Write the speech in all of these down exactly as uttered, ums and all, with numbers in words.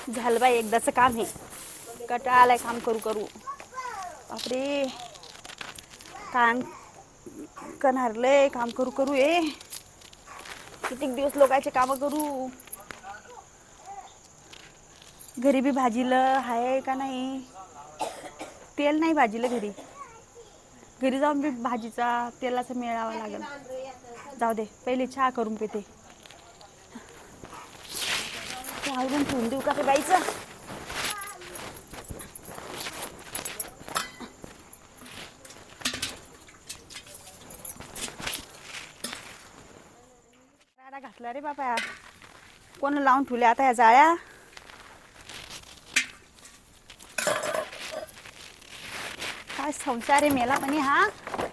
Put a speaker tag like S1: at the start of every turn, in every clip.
S1: झालं बाई एकदाचं काम आहे. कंटाळा आलाय काम करू करू. बापरे काम करणारलंय काम करू करू ये कितीक दिवस लोकांचे काम करू. घरी बी भाजीलं आहे का नाही. तेल नाही भाजीलं घरी. घरी जाऊन बी भाजीचा तेलाचा मेळावा लागेल. जाऊ दे पहिले चहा करून पिते. आवरून ठेवून देऊ का ते बाईचं. राडा घातला रे बाबा. कोण लावून ठेवले आता ह्या जाळ्या. काय संसार आहे मेला पण हा.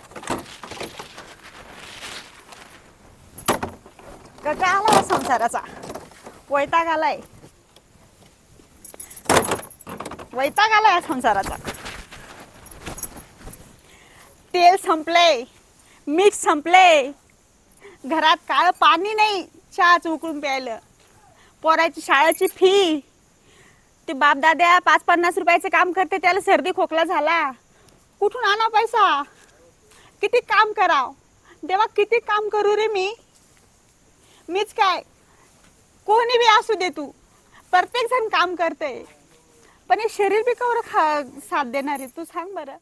S1: कटा आला संसाराचा. वैताग आलाय. वैताग आलाय संसाराचा. तेल संपले. मीठ संपले. घरात काळ पाणी नाही चहाच उकळून प्यायलं. पोराची शाळेची फी. ते बापदाद्या पाच पन्नास रुपयाचं काम करते त्याला सर्दी खोकला झाला. कुठून आणा पैसा. किती काम कराव देवा. किती काम करू रे मी. मीच काय कोणी बी असू दे तू. प्रत्येक जण काम करते पण हे शरीर बी कवर खा साथ देणार आहे तू सांग बरं.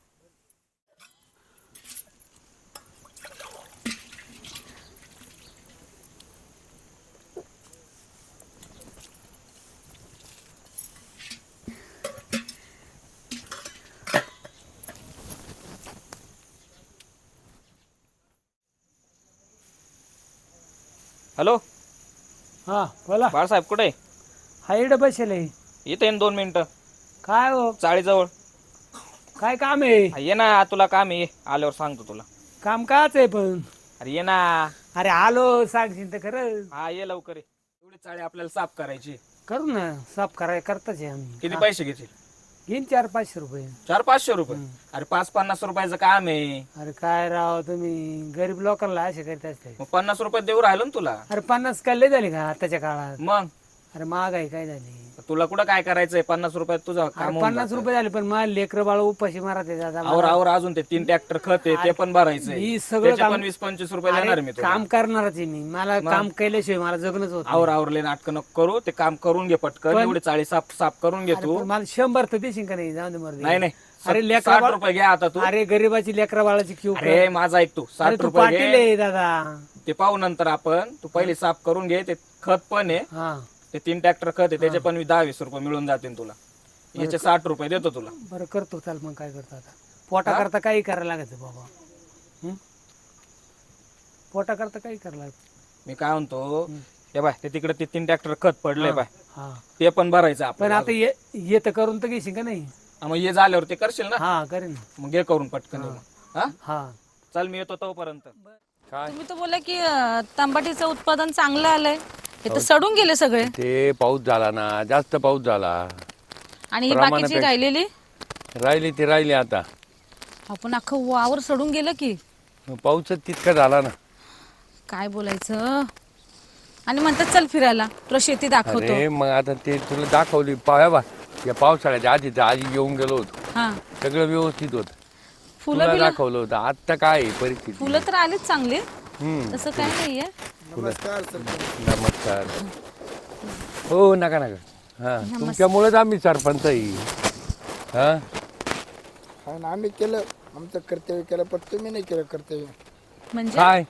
S2: हॅलो
S3: हा बोला.
S2: बाळासाहेब कुठे आहे?
S3: हा इकडे बसेल आहे.
S2: येते ना दोन मिनिटं.
S3: काय हो
S2: चाळीजवळ
S3: काय काम आहे?
S2: हा, ये ना तुला काम आहे आल्यावर सांगतो तुला.
S3: काम काच आहे पण.
S2: अरे ये ना.
S3: अरे आलो सांगशील तर खरं.
S2: हा ये लवकर ये. एवढी चाळी आपल्याला साफ करायची.
S3: करू ना साफ कराय करताच आहे आम्ही.
S2: किती पैसे घेतील?
S3: घेईन चार पाचशे रुपये.
S2: चार पाचशे रुपये अरे पाच पन्नास रुपयाचं काम आहे.
S3: अरे काय राव तुम्ही गरीब लोकांना असे करीत असते.
S2: मग पन्नास रुपये देऊ राहिलो ना तुला.
S3: अरे पन्नास काय लय झाली का आताच्या काळात.
S2: मग
S3: अरे महागाई काय झाली.
S2: तुला कुठं काय करायचंय पन्नास रुपयात तुझं काम
S3: अरे
S2: होऊन
S3: पन्नास
S2: जातं.
S3: रुपये झाले पण मला लेकर बाळ उपाशी मारते दादा.
S2: आवर आवर अजून ते तीन ट्रॅक्टर खत आहे ते पण भरायचंय.
S3: ही सगळं
S2: त्याचे
S3: काम-
S2: पण वीस पंचवीस रुपये देणार
S3: अरे
S2: मी तुला.
S3: काम करणारच आहे मी. मला काम केल्याशिवाय मला जगणच होत
S2: आवर आवरले नाटकं नको करू. ते काम करून घे पटकन. एवढी चाळी साफ साफ करून घे तू.
S3: मला शंभर तर देशील का नाही. जाऊन दे मर्दी.
S2: नाही नाही
S3: अरे
S2: साठ
S3: लेकरा
S2: रुपये घ्या आता तू.
S3: अरे गरीबाची लेकरा बाळाची क्यू.
S2: अरे माझा ऐक तू
S3: अरे
S2: साठ
S3: तू
S2: रुपये
S3: पाटील
S2: घे.
S3: आहे दादा.
S2: ते पाहू नंतर आपण. तू पहिले साफ करून घे. ते खत पण आहे.
S3: हा
S2: ते तीन ट्रॅक्टर खत आहे त्याचे पण दहा वीस रुपये मिळून जातील तुला. याचे साठ रुपये देतो तुला.
S3: बरं करतो. चाल मग काय करतो आता. पोटा करता काही करायला लागत बाबा. हं? पोटा करता काही करायला लागत.
S2: मी काय म्हणतो हे बाय ते तिकडे ते तीन ट्रॅक्टर खत पडले बाय
S3: हा
S2: ते पण भरायचं आपण.
S3: पण आता ये ये तर करून तर घेशील का नाही.
S2: मग हे झाल्यावर ते करशील ना.
S3: हा करेन.
S2: मग घे करून पटकन. हा
S3: हा
S2: चल मी येतो तोपर्यंत.
S4: तुम्ही तर बोला की अं, तंबाटीचं उत्पादन चांगलं आलंय. हे तर सडून गेले सगळे.
S5: ते पाऊस झाला ना जास्त पाऊस झाला.
S4: आणि ही बाकीची राहिलेली
S5: राहिली ती राहिली आता.
S4: आपण अख्खं वावर सडून गेलं की.
S5: पाऊसच तितका झाला ना.
S4: काय बोलायचं. आणि म्हणतात चल फिरायला तुला शेती दाखवतो.
S5: अरे मग आता ते तुला दाखवली पाया या पावसाळ्याच्या आधी तर आधी येऊन गेलो होतो.
S4: हा
S5: सगळं व्यवस्थित होत.
S4: फुलं
S5: तुला
S4: बिलं
S5: दाखवलं होतं. आता काय आहे परिस्थिती.
S4: फुलं तर आलीच चांगली.
S5: हम्म
S4: तसं काय नाहीये.
S5: नमस्कार. हो नका नका. हा तुमच्यामुळेच आम्ही सरपंच आहे. हा
S6: हा ना आम्ही केलं आमचं कर्तव्य केलं पण तुम्ही नाही केलं कर्तव्य.
S4: म्हणजे
S5: काय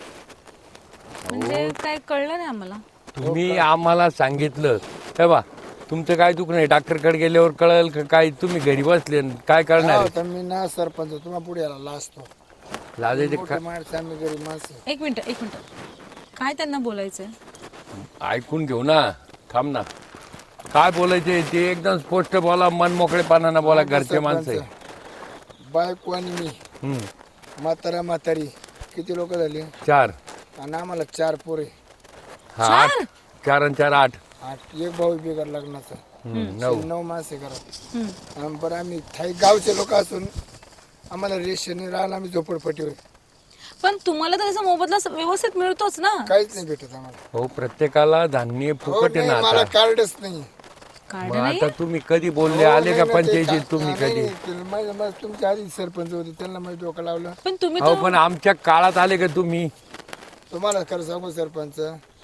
S4: म्हणजे काय कळलं नाही आम्हाला.
S5: तुम्ही आम्हाला सांगितलं तेव्हा तुमचं काय दुख नाही. डॉक्टरकडे गेल्यावर कळेल का काय. तुम्ही घरी बसले न काय करणार.
S6: तर मी ना सरपंच तुम्हाला पुढे यायला लाजतो.
S5: लाजायचे
S6: मोठी माणसं आम्ही गरीब माणसं.
S4: एक मिनिट एक मिनिट काय त्यांना बोलायचंय.
S5: ऐकून घेऊ ना. थांब ना. काय बोलायचे ते एकदम स्पष्ट बोला. मन मोकळेपणानं बोला. घरचे माणसं आहे.
S6: बायको आणि मी
S5: हम्म.
S6: म्हातारा म्हातारी किती लोक झाले.
S5: चार
S6: आणि आम्हाला चार पोरे.
S5: हा आठ. चार आणि चार आठ.
S6: आठ एक भाऊ बिगर लग्नाचा.
S5: हम्म, नऊ.
S6: नऊ माणसे घरात. आणि बरं आम्ही थाई गावचे लोक असून आम्हाला रेशन राहिला आम्ही झोपडपट्टीवर.
S4: पण तुम्हाला तर त्याचा मोबदला व्यवस्थित मिळतोच ना.
S6: काहीच नाही भेटत आम्हाला.
S5: हो प्रत्येकाला धान्य
S6: हो
S5: फुकट आहे
S6: नाही,
S5: ना
S6: मला
S5: आता.
S6: कार्डच नाही.
S5: मग आता तुम्ही कधी बोलले आले का पंचायतीत तुम्ही कधी
S6: तुमच्या आधी सरपंच होते त्यांना माझं डोकं लावलं.
S4: पण तुम्ही
S5: अहो पण आमच्या काळात आले का तुम्ही?
S6: तुम्हाला खरं सांगू सरपंच,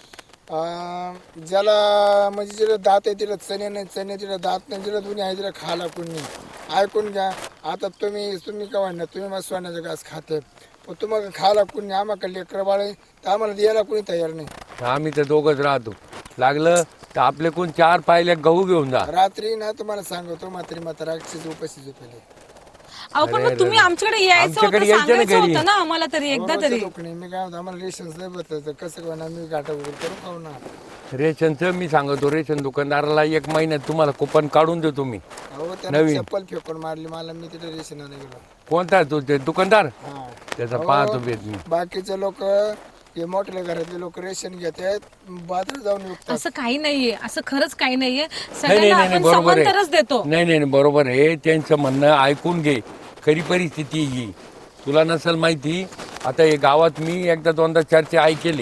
S6: अं, ज्याला म्हणजे जिला दात आहे तिला चणे नाही, चणे तिला दात नाही, जिला दोन्ही आहे तिला खायला कोण नाही. ऐकून घ्या. आता तुम्ही तुम्ही का म्हणणार तुम्ही मला सोन्याचा घास खाते, पण तुम्हाला खायला कोणी नाही. आम्हाला लेकरं बाळ आहे तर आम्हाला द्यायला कोणी तयार नाही.
S5: आम्ही तर दोघच राहतो. लागलं तर आपले कोण चार पायल्या गहू घेऊन जा.
S6: रात्री ना तुम्हाला सांगतो म्हातारी म्हातारा अक्षरशः उपाशी झोपेले.
S4: अहो पण मग तुम्ही आमच्याकडे यायचं होतं,
S5: आमच्याकडे यायचं ना
S4: सांगायचं
S5: घरी.
S4: होतं ना आम्हाला तरी एकदा तरी.
S6: लोक नाही. मी काय म्हणतो आम्हाला रेशन्स नाही बसलं कसं करणार, मी गाठा वगैरे करून खाऊ ना.
S5: रेशनचं मी सांगतो, रेशन दुकानदाराला एक महिन्यात तुम्हाला कुपन काढून देतो मी.
S6: अहो त्याने चप्पल फेकून मारली मला, मी तिथे रेशन आणायला गेलो.
S5: कोणता तो ते दुकानदार?
S6: हा.
S5: त्याचा पाहतो भेट मी.
S6: बाकीचे लोक हे मोठ्या घरातले लोक रेशन घेतात, बाजारात जाऊन विकतात.
S4: असं काही नाहीये, असं खरंच काही नाहीये.
S5: नाही नाही
S4: सगळ्यांना
S5: नाही नाही,
S4: आपण
S5: बरोबर
S4: समांतरच देतो.
S5: आहे. नाही नाही नाही, बरोबर आहे. त्यांचं म्हणणं ऐकून घे. खरी परिस्थिती ही तुला नसेल माहिती. आता हे गावात मी एकदा दोनदा चर्चा ऐकली.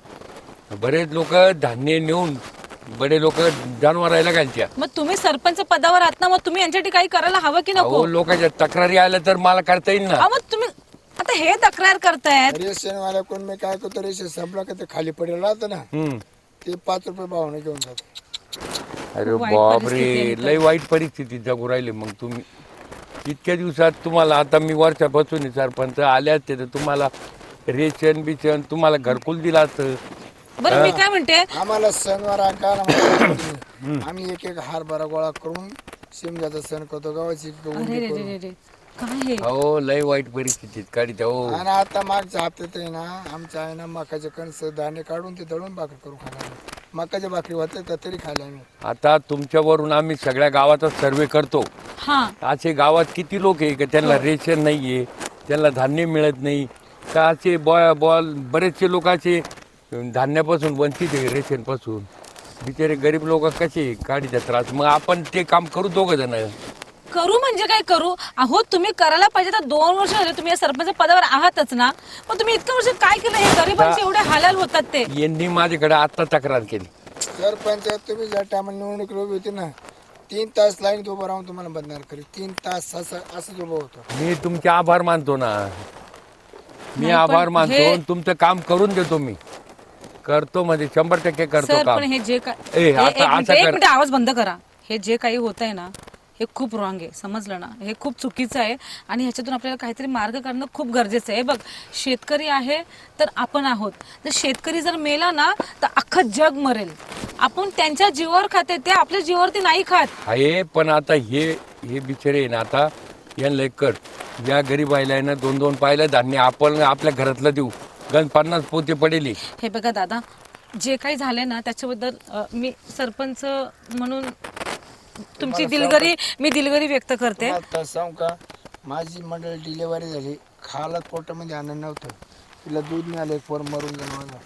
S5: बरेच लोक धान्य नेऊन बडे लोक जनावरायला घालत्या.
S4: मग तुम्ही सरपंच पदावर आहात ना, मग तुम्ही यांच्यासाठी काही करायला हवं की नको?
S5: अहो लोकांच्या तक्रारी आल्या तर मला करता येईल ना.
S4: अहो, मग तुम्ही आता हे तक्रार करतायत.
S6: रेशन वाल्या कोण मी काय करतो, रेशन संपला का ते खाली पडेल राहतं ना,
S5: हम्म.
S6: ते पाच रुपये भावाने घेऊन जातो.
S5: अरे
S4: वाईट
S5: बापरे,
S4: परिस्थिती आहे
S5: लय वाईट परिस्थिती जगू राहिली. मग तुम्ही इतक्या दिवसात तुम्हाला आता मी वर्षापासून सरपंच आल्या ते तुम्हाला रेशन बिशन तुम्हाला घरकुल दिला असतं.
S4: बरं मी काय म्हणते,
S6: आम्हाला सणवार अंकार आम्ही एक एक हारभरा गोळा करून शिमग्याचा सण करतो, गावाची
S4: अरे रे रे रे रे, काय हे?
S5: हो लय वाईट परिस्थितीत काढीत हो.
S6: आणि आता मागच्या हप्त्यात आहे ना आमच्या आहे ना मकाचे कणस दाणे काढून ते दळून भाकरी करून खायला. मकाच्या भाकरी होते तर तरी खायला आम्ही.
S5: आता तुमच्यावरून आम्ही सगळ्या गावाचा सर्वे करतो.
S4: हा
S5: असे गावात किती लोक आहे का त्यांना रेशन नाहीये, त्यांना धान्य मिळत नाही का? असे बॉ बॉल बरेचसे लोक असे धान्यापासून वंचित आहे, रेशन पासून. बिचारे गरीब लोक कसे काढीचा त्रास. मग आपण ते काम करू दोघ जण.
S4: करू म्हणजे काय करू? अहो तुम्ही करायला पाहिजे तर दोन वर्ष झाले तुम्ही या सरपंच पदावर आहातच ना, पण तुम्ही इतकं वर्ष काय केलं? हे गरिबांचे एवढे हालाल होतात ते.
S5: यांनी माझ्याकडे आता तक्रार केली.
S6: सरपंच तुम्ही ज्या टायमाला निवडणूक उभी होती ना, तीन तास लाईन उभं राहून तुम्हाला बदनार करी. तीन तास असं असंच उभं होतो.
S5: मी तुमचे आभार मानतो ना, मी
S4: नाही, पण
S5: आभार मानतो.
S4: हे-
S5: आणि तुमचं काम करून देतो. मी करतो म्हणजे शंभर टक्के करतो
S4: सर
S5: काम.
S4: पण हे जे काय
S5: ए,
S4: हे-
S5: आता-
S4: एक मिनिट,
S5: आता
S4: एक
S5: कर.
S4: मिनिट आवाज बंद करा. हे जे काही होत आहे ना हे खूप रॉंग आहे, समजलं ना? हे खूप चुकीचं आहे आणि ह्याच्यातून आपल्याला काहीतरी मार्ग काढणं खूप गरजेचं आहे. बघ, शेतकरी आहे तर आपण आहोत. जर शेतकरी जर मेला ना तर अख्खं जग मरेल. आपण त्यांच्या जीवावर खाते, ते आपल्या जीवावरती नाही खात.
S5: आहे पण आता हे हे बिचारे आहे ना, आता यांना एक कर. या गरीब आयला आहे ना दोन दोन पाहिलं धान्य आपण आपल्या घरातलं देऊ. गण पन्नास पोते पडेली.
S4: हे बघा दादा, जे काही झालंय ना त्याच्याबद्दल अ, मी सरपंच म्हणून तुमची दिलगिरी मी दिलगिरी व्यक्त करते.
S6: आता सांगू का, माझी मंडळी डिलेवरी झाली, खायला पोटामध्ये आनंद नव्हतं. तिला दूध नाही आलं, पोर मरून गेलं माझं.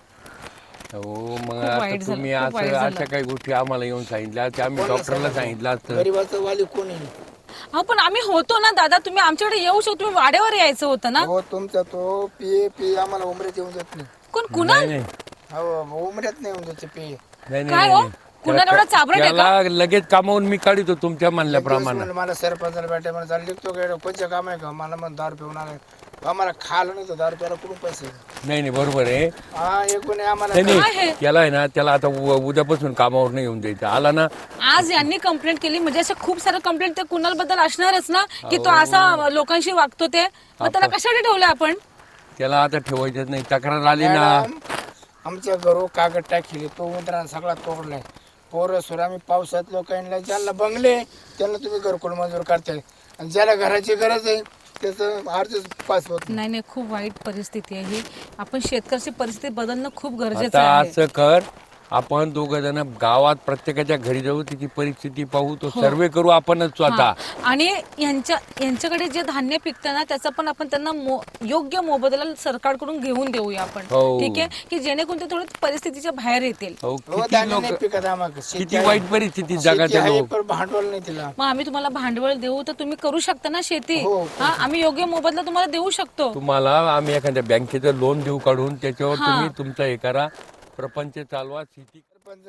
S5: हो मग
S4: खूप
S5: आता
S4: वाईट झालं,
S5: तुम्ही
S4: खूप वाईट
S5: असं
S4: झालं.
S5: अशा काही गोष्टी आम्हाला येऊन सांगितल्या त्या आम्ही डॉक्टरला सांगितलं असतं.
S6: गरीबाचं वाली कोणी नाही.
S4: हा पण आम्ही होतो ना दादा, तुम्ही आमच्याकडे येऊ शकतो. तुम्ही वाड्यावर यायचं होतं ना.
S6: हो तुमचा तो पिये पिये आम्हाला उमऱ्यात येऊन जात नाही.
S4: कोण कुणा
S5: नाही नाही
S6: हो उमऱ्यात नाही येऊन जाते पिये.
S5: नाही
S4: काय
S5: नाही
S4: हो?
S5: नाही.
S4: कुणाला एवढा चाबरट आहे का?
S5: त्याला लगेच कामावून मी काढितो तुमच्या म्हणल्याप्रमाणे.
S6: म्हणलं मला सरपंचाला भेटाय मला चालले तो काय कोणचं काम आहे का? मला मग दारू पिऊन आलाय. आम्हाला खायला नाही तर दारू प्यायला कुठून पैसे?
S5: नाही नाही बरोबर आहे.
S6: हा एकूण आम्हाला
S5: नाही
S4: काय
S5: नाही
S4: हे?
S5: त्याला आहे ना, त्याला आता उ- उद्यापासून कामावर नाही येऊन द्यायचं. आला ना
S4: आज यांनी कंप्लेंट केली म्हणजे अशा खूप साऱ्या कंप्लेंट त्या कुणाल बद्दल असणारच ना, की तो असा लोकांशी वागतो ते. मग त्याला कशासाठी ठेवलं आपण?
S5: त्याला आता ठेवायचंच नाही. तक्रार आली ना.
S6: मॅडम, आमच्या घरो कागद टाकले तो उंदरानं सगळा तोडलाय. पोरं सोर आम्ही पावसात लोकांना ज्यांना बंगले त्यांना तुम्ही घरकुल मंजूर करताय, आणि ज्याला घराची गरज आहे त्याचं अर्ज पास होत नाही.
S4: नाही नाही, खूप वाईट परिस्थिती आहे ही. आपण शेतकऱ्याची परिस्थिती बदलणं खूप गरजेचं
S5: आता
S4: आहे.
S5: असं कर, आपण दोघ जण गावात प्रत्येकाच्या घरी जाऊ, तिची परिस्थिती पाहू, तो सर्वे करू आपणच स्वतः.
S4: हा. आणि यांच्या यांच्याकडे जे धान्य पिकतं ना त्याचा पण आपण त्यांना मो- योग्य मोबदला सरकारकडून घेऊन देऊया आपण.
S5: हो.
S4: ठीक आहे, की जेणेकरून ते थोडं परिस्थितीच्या बाहेर येतील.
S5: हो,
S6: हो
S5: किती
S6: धान्य
S5: लोक
S6: नाही पिकत आम्हाला. शेती
S5: किती
S6: आहे.
S5: वाईट परिस्थिती
S6: शेती
S5: जगाचे
S6: आहे,
S5: लोक.
S6: पण भांडवल नाही तिला.
S4: मग आम्ही तुम्हाला भांडवल देऊ तर तुम्ही करू शकता ना शेती.
S6: हो.
S4: हा, आम्ही योग्य मोबदला तुम्हाला देऊ शकतो.
S5: तुम्हाला आम्ही एखाद्या बँकेचं लोन देऊ काढून, त्याच्यावर
S4: हा.
S5: तुम्ही तुमचा हे करा, प्रपंच चालवा. शेती
S6: सरपंच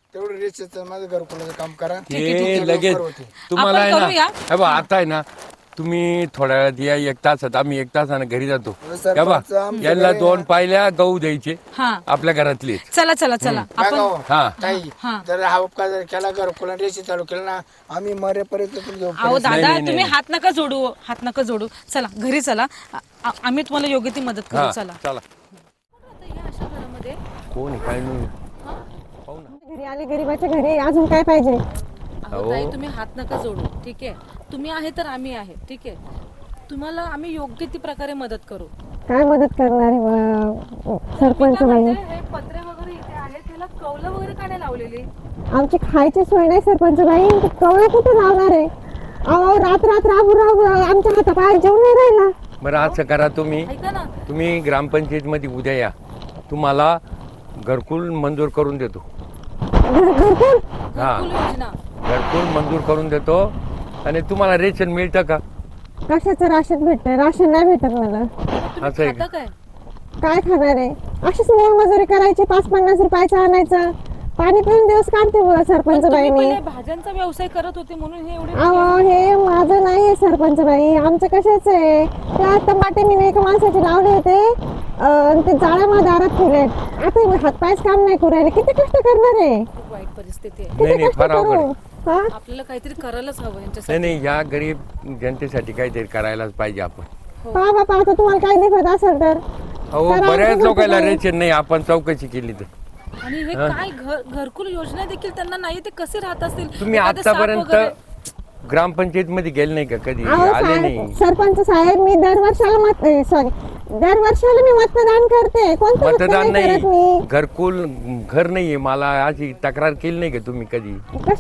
S6: तेवढं रेषेचं माझं घरकुलाचं काम करा.
S5: ते लगेच तुम्हाला आहे
S4: आपण
S5: ना
S4: करूया.
S5: हे बघा, आता आहे ना तुम्ही थोड्या वेळात या, एक तासात आम्ही एक तासानं घरी जातो.
S6: सरपंच
S5: हे बघा,
S6: आमच्या
S5: यांना
S6: घरी
S5: दोन पायल्या गहू द्यायचे
S4: हा
S5: आपल्या घरातले.
S4: चला चला चला
S6: काय
S4: आपण
S6: गाव?
S5: हा
S6: ताई, जर हा उपकार जर केला घरकुला रेषे चालू केला ना आम्ही मरेपर्यंत तुमचं
S4: अहो दादा तुम्ही हात नका जोडू हात नका जोडू चला घरी चला आ- आ- आम्ही तुम्हाला योग्य ती मदत करू
S5: हा
S4: चला
S5: चला.
S4: आता या अशा घरामध्ये
S5: कोण आहे, काय नाही.
S7: घरी आले गरीबाच्या घरी अजून काय पाहिजे?
S4: अहो ताई तुम्ही हात नका जोडू ठीक आहे तुम्ही आहे तर आम्ही आहे ठीक आहे तुम्हाला आम्ही योग्य ती प्रकारे मदत करू
S7: काय मदत करणार आहे बा- सरपंच बाई?
S4: हे पत्रे वगैरे इथे आहेत त्याला कौलं वगैरे का नाही लावलेली
S7: आमची खायची सोय नाही सरपंच बाई, कवळा कुठे लावणार आहे? अहो रात रात राबू राबू आमच्या हातापायात जेवण नाही राहिला.
S5: बरं असं करा, तुम्ही
S4: ऐका ना
S5: तुम्ही ग्रामपंचायत मध्ये उद्या या, तुम्हाला घरकुल मंजूर करून देतो.
S7: घर- घरकुल
S5: हा
S4: घरकुल योजना
S5: घरकुल मंजूर करून देतो. आणि तुम्हाला रेशन मिळतं का?
S7: कशाचं राशन भेटतंय? राशन नाही भेटत मला.
S5: असं आहे
S4: खाता
S5: का?
S4: काय
S7: काय खाणार आहे? अशीच मोलमजुरी करायची, पाच पन्नास रुपयाचं आणायचं, पाणी पिऊन दिवस काढते बुवा सरपंच बाई
S4: तुम्ही
S7: मी.
S4: पहिले भाज्यांचा व्यवसाय करत होते म्हणून हे एवढे
S7: अहो हे माझं नाही आहे सरपंच बाई, आमचं कशाच आहे? त्या टमाटे मी एका माणसाचे लावले होते अं, ते जाळ्या दारात ठेवले. आता हातपायच काम नाही करू राहिले, किती कष्ट करणार आहे?
S4: खूप वाईट परिस्थिती आहे
S5: नाही
S7: किती
S5: नाही
S7: कष्ट
S5: फार अवघड
S7: करू?
S5: आहे.
S7: हा?
S4: आपल्याला काहीतरी करायलाच हवं
S5: नाही
S4: यांच्यासाठी
S5: नाही या गरीब जनतेसाठी काहीतरी करायलाच पाहिजे आपण.
S7: पहा बापा आता तुम्हाला काही दिसत असेल तर
S5: अहो
S7: करा,
S5: बऱ्याच
S7: कसं
S5: लोकांना
S7: करायचं?
S5: रेशन नाही, आपण चौकशी केली तर.
S4: आणि हे काय घर घरकुल योजना देखील त्यांना नाही ते कसे राहत असतील
S5: तुम्ही
S4: एखादं साप
S5: आतापर्यंत
S4: वगैरे.
S5: ग्रामपंचायत मध्ये गेले नाही का कधी?
S7: अहो
S5: आले
S7: साहेब,
S5: नाही.
S7: सरपंच साहेब मी दर वर्षाला मत सॉरी दर वर्षाला मी मतदान करते. कोणतं
S5: मतदान
S7: नाही
S5: नाही,
S7: करत मी?
S5: घरकुल घर नाहीये. मला अशी तक्रार केली नाही का तुम्ही कधी?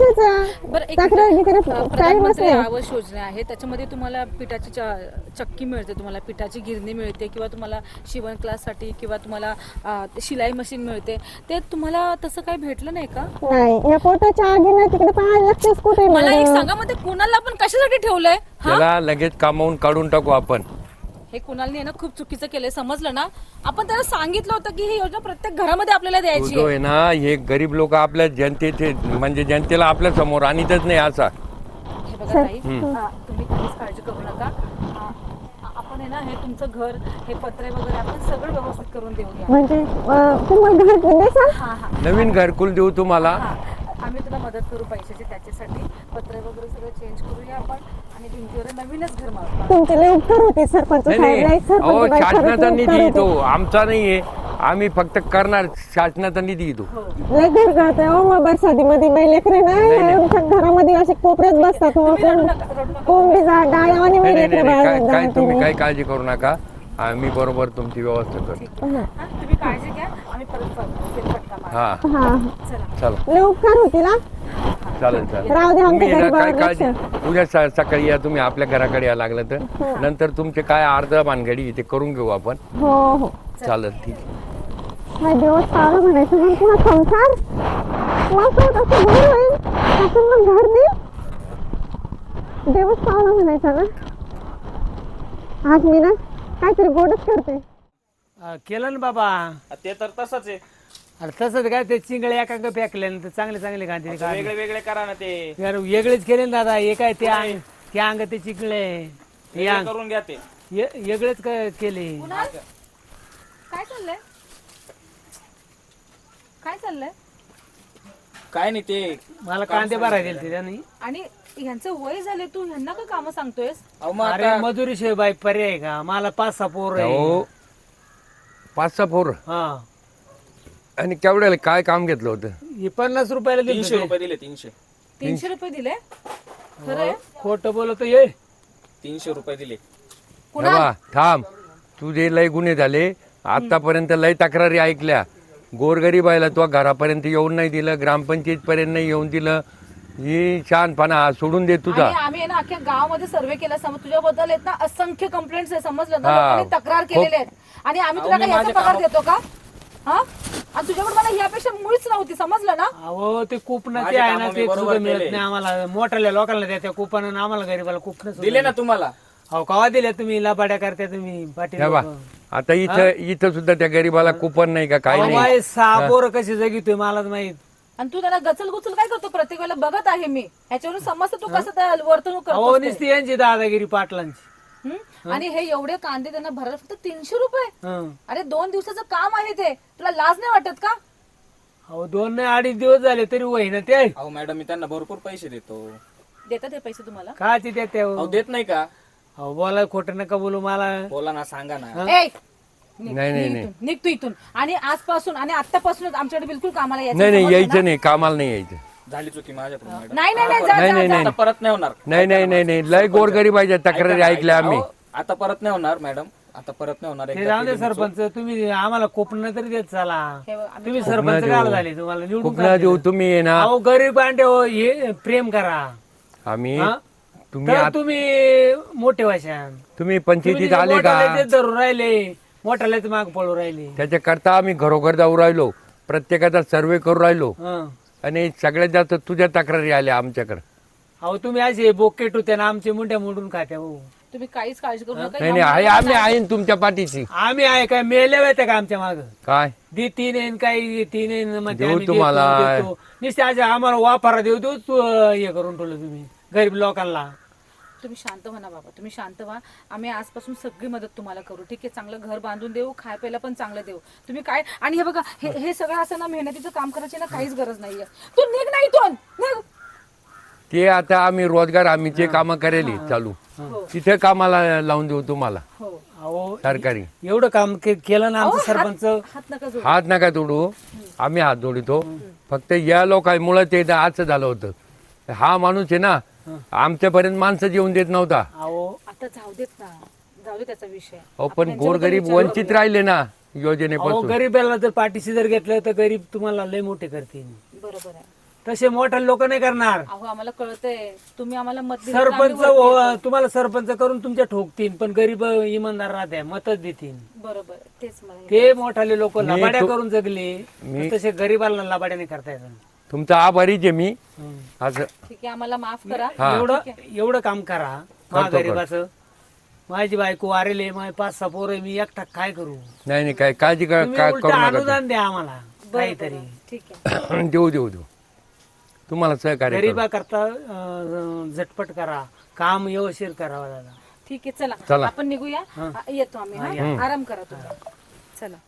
S7: कशाचं
S4: बरं एक
S7: तक्रार
S4: मिनिट.
S7: बिक्रार
S4: अ,
S7: काही
S4: प्रधानमंत्री
S7: नसते.
S4: आवास योजना आहे त्याच्यामध्ये तुम्हाला पिठाची च- चक्की मिळते तुम्हाला पिठाची गिरणी मिळते किंवा तुम्हाला शिवण क्लाससाठी किंवा तुम्हाला अ, शिलाई मशीन मिळते ते तुम्हाला तसं काही भेटलं नाही का
S7: नाही या पोटाच्या आगीनं तिकडे पाहायला लागतेच कुठे
S4: मला एक
S7: मला.
S4: सांगा मग ते कुणाला आपण कशासाठी ठेवलंय हा?
S5: त्याला लगेच कामावून काढून टाकू आपण.
S4: हे कुणालने ना खूप चुकीचं केलंय समजलं ना आपण त्याला सांगितलं होतं की ही योजना प्रत्येक घरामध्ये आपल्याला
S5: तो
S4: द्यायची
S5: जो
S4: आहे
S5: आहे ना, हे गरीब लोक आपल्या जनतेचे म्हणजे जनतेला आपल्या समोर आणतच नाही असा.
S4: हे बघा ताई हा, तुम्ही काहीच काळजी करू नका हा, आपण आहे ना हे तुमचं घर हे पत्रे वगैरे आपण सगळं व्यवस्थित करून देऊया
S7: म्हणजे अं, तुम्हाला घर देसाल?
S4: हा हा
S5: नवीन घरकुल देऊ तुम्हाला.
S4: हा आम्ही तुला मदत करू पैशाची त्याच्यासाठी पत्रे वगैरे सगळं चेंज करूया आपण आणि भिंतीवर नवीनच घर मारू
S7: तुमचे लय उपकार होते सरपंच
S5: नाही
S7: साहेब. लय
S5: नाही
S7: सरपंच
S5: अहो
S7: बाई, खरंच
S5: शासनाचा
S7: लय
S5: निधी
S7: उपकार
S5: येतो,
S7: होते.
S5: आमचा नाहीये. आम्ही फक्त करणार, शासनाचा निधी येतो.
S7: लय घर करते हो मग बरसातीमध्ये बाई लेकरे नाही आमच्या घरामध्ये असे कोपऱ्यात बसतात मग कोण कोंबडी जा गाय आणि
S5: नाही
S7: मी
S5: नाही
S7: लेकरं
S5: नाही, काय
S7: बाळं
S5: काय
S7: जाते
S5: तुम्ही
S7: मी.
S5: काय काळजी करू नका. आम्ही बरोबर तुमची व्यवस्था करू.
S4: हा, तुम्ही काळजी घ्या आम्ही परत फेरफटका मारू.
S5: हा
S7: हा
S5: चला
S7: लय उपकार होतील हा.
S5: चालेल चालेल.
S7: राहू दे
S5: तुम्ही
S7: आमच्या
S5: ना काय
S7: गरीबावर लक्ष.
S5: काळजी उद्या स- सकाळी या तुम्ही आपल्या घराकडे या लागलं तर. नंतर तुमचे काय अर्ध भानगडी ते करून घेऊ आपण.
S7: हो हो
S5: चालेल ठीक आहे.
S7: हा दिवस पावलं म्हणायचं मग तुला संसार मग तो तसं घर होईल तसं मग घर देईल. दिवस पावलं म्हणायचा ना. आज मी ना काहीतरी गोडच करते.
S3: अं, केलं ना बाबा.
S2: ते तर तसंच आहे.
S3: अरे तसंच काय ते चिंगळे एकांक फेकले ना तर चांगले चांगले गांधी
S2: वेगळे वेगळे करा ना ते
S3: यार वेगळेच केले ना दादा. हे काय ते अंग ते अंग ते चिंगळे ते
S2: वेगळे
S3: अंग
S2: करून घ्या ते.
S3: ये- वेगळेच क- केले.
S4: काय चाललंय काय चाललंय
S2: काय नाही ते
S3: मला कांदे भरायला दिले त्याने.
S4: आणि ह्यांचं वय झाले तू ह्यांना का काम सांगतोयस
S2: अहो मग
S3: अरे
S2: आता
S3: मजुरी शिवाय बाई पर्याय आहे का? मला पाच सहा पोर आहे.
S5: हो पाच सहा पोर.
S3: हा
S5: आणि केवढ्याला काय काम घेतलं होतं?
S3: हे पन्नास रुपयाला दिले
S2: तीनशे रुपये दिले तीनशे
S4: तीनशे रुपये दिले खरंय
S3: खोट बोलतो ये.
S2: तीनशे रुपये दिले.
S5: बाबा थांब, तुझे लय गुन्हे झाले आतापर्यंत. लय तक्रारी ऐकल्या. गोरगरीबाईला तो घरापर्यंत येऊन नाही दिलं, ग्रामपंचायत पर्यंत नाही येऊन दिलं. ही शहाणपणा सोडून दे तुझा.
S4: आणि आम्ही आहे ना अख्ख्या गावामध्ये सर्वे केला समज तुझ्याबद्दल आहेत ना असंख्य कंप्लेंट्स आहे समजलं ना
S5: हा.
S4: लोकांनी तक्रार केलेले आहेत आणि आम्ही तुला काय याचा पगार देतो का हा आणि तुझ्याकडे मला यापेक्षा मुळीच नव्हती समजलं ना
S3: अहो ते कुपन ते
S2: माझे
S3: आहे
S2: कामं
S3: ना
S2: मी
S3: ते
S2: बरोबर
S3: सुद्धा मिळत
S2: केले.
S3: नाही आम्हाला. मोठ्या लोकांना द्या त्या कुपन आम्हाला गरीबाला कुपन
S2: दिले ना तुम्हाला.
S3: हो कवा दिल्या तुम्ही लबाड्या करता तुम्ही पाटील
S5: हे बा
S3: लोकं.
S5: आता इथं इथं सुद्धा त्या गरीबाला कुपन नाही का काही
S3: अहो
S5: नाही.
S3: बाई, सहा पोरं कशी जगितोय मलाच माहित.
S4: आणि तू त्याला गचल गुचल काय करतो प्रत्येक वेळेला बघत आहे मी ह्याच्यावरून समजतं तू कसं त्या वर्तणूक
S3: अहो
S4: करतो
S3: नुसती यांची दादागिरी पाटलांची.
S4: आणि हे एवढे कांदे त्यांना भरायला फक्त तीनशे रुपये
S3: हं.
S4: अरे दोन दिवसाचं काम आहे ते, तुला लाज नाही वाटत का?
S3: अहो दोन नाही अडीच दिवस झाले तरी वही ना ते
S2: अहो मॅडम मी त्यांना भरपूर पैसे देतो.
S4: देतात हे पैसे तुम्हाला?
S3: काची देते
S2: अहो देत नाही का?
S3: अहो बोला खोटं नका बोलू मला.
S2: बोला ना, सांगा ना.
S4: ए, निघ,
S5: नाही, नाही,
S4: निघ
S5: नाही.
S4: इथून, निघ तू इथून. आणि आजपासून आणि आतापासूनच आमच्याकडे बिलकुल कामाला यायचं
S5: नाही नाही
S4: समजलं
S5: यायचं
S4: ना?
S5: नाही, कामाला नाही यायचं.
S2: झाली चुकी माझ्याकडून मॅडम.
S4: नाही नाही नाही, जा,
S5: नाही
S4: जा,
S5: नाही
S4: जा.
S5: नाही
S2: आता परत नाही होणार.
S5: नाही नाही नाही नाही लय गोरगरिबाच्या तक्रारी
S2: ऐका ना,
S5: ऐकल्या
S2: ऐका.
S5: आम्ही.
S2: अहो, आता परत नाही होणार मॅडम, आता परत नाही होणार.
S3: ते
S2: एकदा
S3: जाऊ दे
S2: केली मी चूक.
S3: सरपंच, तुम्ही आम्हाला कोपण तरी देत चला.
S4: हे बघ, आम्ही-
S3: तुम्ही
S5: कोकणा
S3: सरपंच
S5: देऊ.
S3: काय झाले तुम्हाला निवडून
S5: खूप
S3: का
S5: ना देऊ
S3: दिलं?
S5: तुम्ही ये ना.
S3: अहो गरीब अंडे हो हे प्रेम करा.
S5: आम्ही
S3: हा?
S5: तुम्ही
S3: तर
S5: आत-
S3: तुम्ही मोठे वाशान
S5: तुम्ही पंचायतीत आले का?
S3: धरून राहिले मोठ्यालाच माग पळू राहिले.
S5: त्याच्या करता आम्ही घरोघर जाऊ राहिलो, प्रत्येकाचा सर्वे करू राहिलो
S3: हं.
S5: आणि सगळ्यात जास्त तुझ्या तक्रारी आल्या आमच्याकडे.
S3: अहो तुम्ही असे बोकेट होते ना आमचे मुंड्या मोडून खात्या हो.
S4: तुम्ही काहीच काळजी करू नका.
S5: नाही नाही आहे, आम्ही आहे ना तुमच्या पाठीची.
S3: आम्ही आहे काय मेले होते का आमच्या माग
S5: काय
S3: दी तीन येईन काही तीन येईन म्हणते
S5: देऊ
S3: आम्ही देतो,
S5: तुम्हाला.
S3: देतो. नुसते आज आम्हाला वापरा देऊ देऊ तू हे करून ठेवलं तुम्ही गरीब लोकांना.
S4: तुम्ही शांत व्हा ना बाबा, तुम्ही शांत व्हा. आम्ही आजपासून सगळी मदत तुम्हाला करू, ठीक आहे? चांगलं घर बांधून देऊ, खाय प्यायला पण चांगलं देऊ. तुम्ही काय आणि हे बघा हे हे सगळं असं ना मेहनतीचं काम करायची ना काहीच गरज नाहीये. तू निघ ना इथून, निघ.
S5: ते आता आम्ही रोजगार आम्ही जे कामं करेली चालू तिथे कामाला लावून देऊ तुम्हाला
S4: हो,
S3: अहो
S5: सरकारी.
S3: एवढं काम के- केलं ना आमचं सरपंच.
S4: हात नका जोडू.
S5: हात नका तोडू, आम्ही हात जोडितो. फक्त या लोकांमुळे ते असं झालं होतं. हा माणूस आहे ना आमच्यापर्यंत माणसं जेवून देत नव्हता.
S3: अहो
S4: आता जाऊ देत ना, जाऊ दे त्याचा विषय.
S5: अहो पण गोरगरीब वंचित राहिले ना
S3: अहो
S5: योजनेपासून.
S3: गरीबाला जर पाठीशी जर घेतलं तर गरीब तुम्हाला लय मोठे करतील.
S4: बरोबर आहे.
S3: तसे मोठे लोक नाही करणार.
S4: अहो आम्हाला कळतंय तुम्ही आम्हाला मत दिलं तर आम्ही
S3: सरपंच
S4: वरती येतो.
S3: हो- तुम्हाला सरपंच करून तुमच्या ठोकतील पण गरीब इमानदार राहते मतच देतील.
S4: बरोबर आहे. तेच मला हे-
S3: ते मोठाले लोक
S5: मी
S3: लबाड्या
S5: तो-
S3: करून जगले
S5: मी-
S3: तसे गरीबाला लबाड्या नाही करता येत.
S5: तुमचा आभारीच आहे मी.
S3: हं.
S5: असं
S4: ठीक आहे, आम्हाला माफ करा.
S5: हा.
S3: एवढं एवढं काम करा मा
S5: करतो,
S3: गरीबाचं. माझी बायको वारेले माझे पाच सहा पोरं मी एकटा काय करू.
S5: नाही नाही काय काळजी का-
S3: तुम्ही
S5: का-
S3: उलटं
S5: करू नका
S3: अनुदान द्या आम्हाला काहीतरी.
S4: ठीक आहे.
S5: तुम्ही. देऊ देऊ देऊ तुम्हाला सहकार्य करू.
S3: गरीबा करता अं, झटपट करा काम व्यवस्थित करावं दादा.
S4: ठीक आहे, चला
S5: चला.
S4: आपण निघूया. आ, येतो आम्ही. हा? आराम करा तुम्ही. चला.